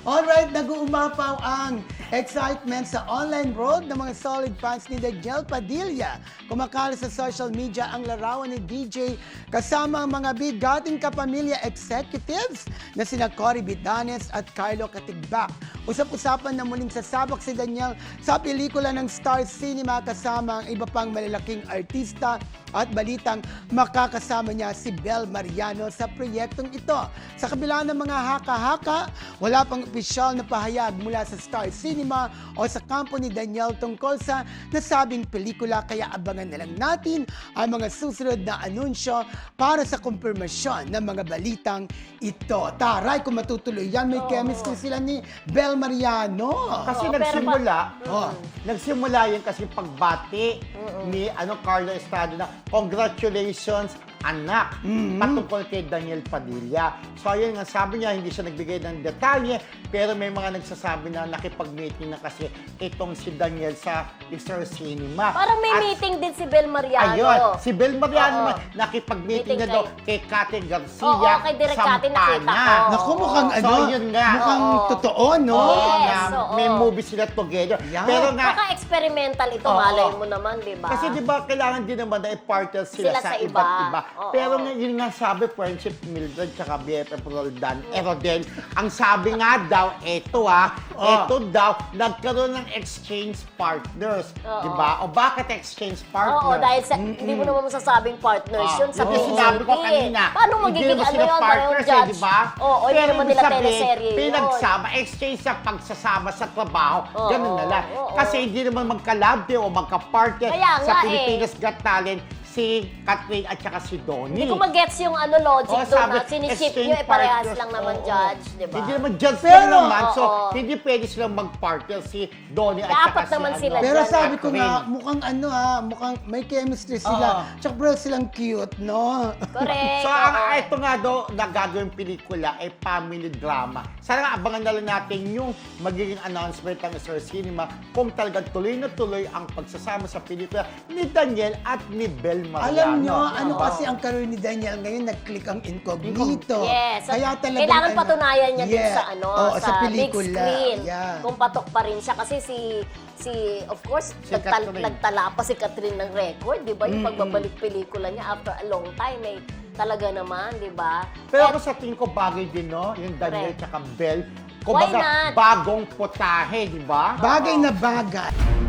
Alright, nag-uumapaw ang excitement sa online world ng mga solid fans ni Daniel Padilla. Kumakalat sa social media ang larawan ni DJ kasama ang mga bigating kapamilya executives na sina Cory Bitanes at Carlo Katigbak. Usap-usapan na muling sasabak si Daniel sa pelikula ng Star Cinema kasama ang iba pang malalaking artista at balitang makakasama niya si Bel Mariano sa proyektong ito. Sa kabila ng mga haka-haka, wala pang opisyal na pahayag mula sa Star Cinema o sa kampo ni Daniel tungkol sa nasabing pelikula, kaya abangan na lang natin ang mga susunod na anunsyo para sa kumpirmasyon ng mga balitang ito. Taray, kung matutuloy yan, may chemistry sila ni Bel Mariano. Kasi nagsimula yun kasi pagbati ni Carlo Estrada na congratulations anak, patungkol kay Daniel Padilla. So ayun nga, sabi niya, hindi siya nagbigay ng detalye, pero may mga nagsasabi na nakipag-meeting na kasi itong si Daniel sa Star Cinema. Parang may meeting din si Bel Mariano. Ayun, si Bel Mariano nakipag-meeting na daw kay Kate Garcia. Oo, kay Direk Kate nakita ko. Naku, mukhang So, yun nga. mukhang totoo, no? Yes, May movie sila together. Yeah. Pero nga, Baka experimental ito, malay mo naman, di ba? kasi di ba kailangan din naman na i-partner sila sa iba. iba't iba. Oo. Pero nga, yun nga sabi, friendship Mildred tsaka BFF Roldan Erodel, ang sabi nga daw, eto daw, nagkaroon ng exchange partners. Di ba? O bakit exchange partners? Oo, dahil sa, hindi mo naman masasabing partners yun sa Yung sinabi ko kanina, Paano magiging hindi naman ano sila yun, partners, judge? di ba? Oo, hindi Pero naman ibig nila sabihin, teleserye yun. pinagsama, exchange sa pagsasama sa trabaho, ganun na lang. oo. Kasi hindi naman magkalabde o magka-partner Kaya sa nga Pilipinas Got Talent si Catherine at saka si Donnie. Hindi ko mag-gets yung logic doon sabi, na siniship exchange nyo, parehas partners. lang naman, Oo. judge, di ba? Hindi naman judge Pero, lang naman. So, oo. hindi pwede silang mag-partner si Donnie at Dapat saka naman si sila Pero dyan, sabi ko Catherine. nga, mukhang mukhang may chemistry sila. Tsaka bro, silang cute, no? Correct. So, oo. ito nga daw, na gagawin pelikula ay family drama. Sana nga, abangan na lang natin yung magiging announcement ng Star Cinema kung talagang tuloy na tuloy ang pagsasama sa pelikula ni Daniel at ni Bel Mariano. Alam nyo, ano Diba? kasi ang career ni Daniel ngayon, nag-click ang incognito. Yes. Kaya talagang, kailangan patunayan niya din sa Oo, sa big pelikula. screen. Yeah. Kung patok pa rin siya kasi of course, Si Catherine. nagtala pa si Catherine ng record, 'di ba? Yung pagbabalik pelikula niya after a long time talaga naman, 'di ba? Pero ako sa tingin ko bagay din, no? Yung Daniel Correct. at Bel. Why Kumbaga, not? bagong putahe, di ba? Bagay na bagay.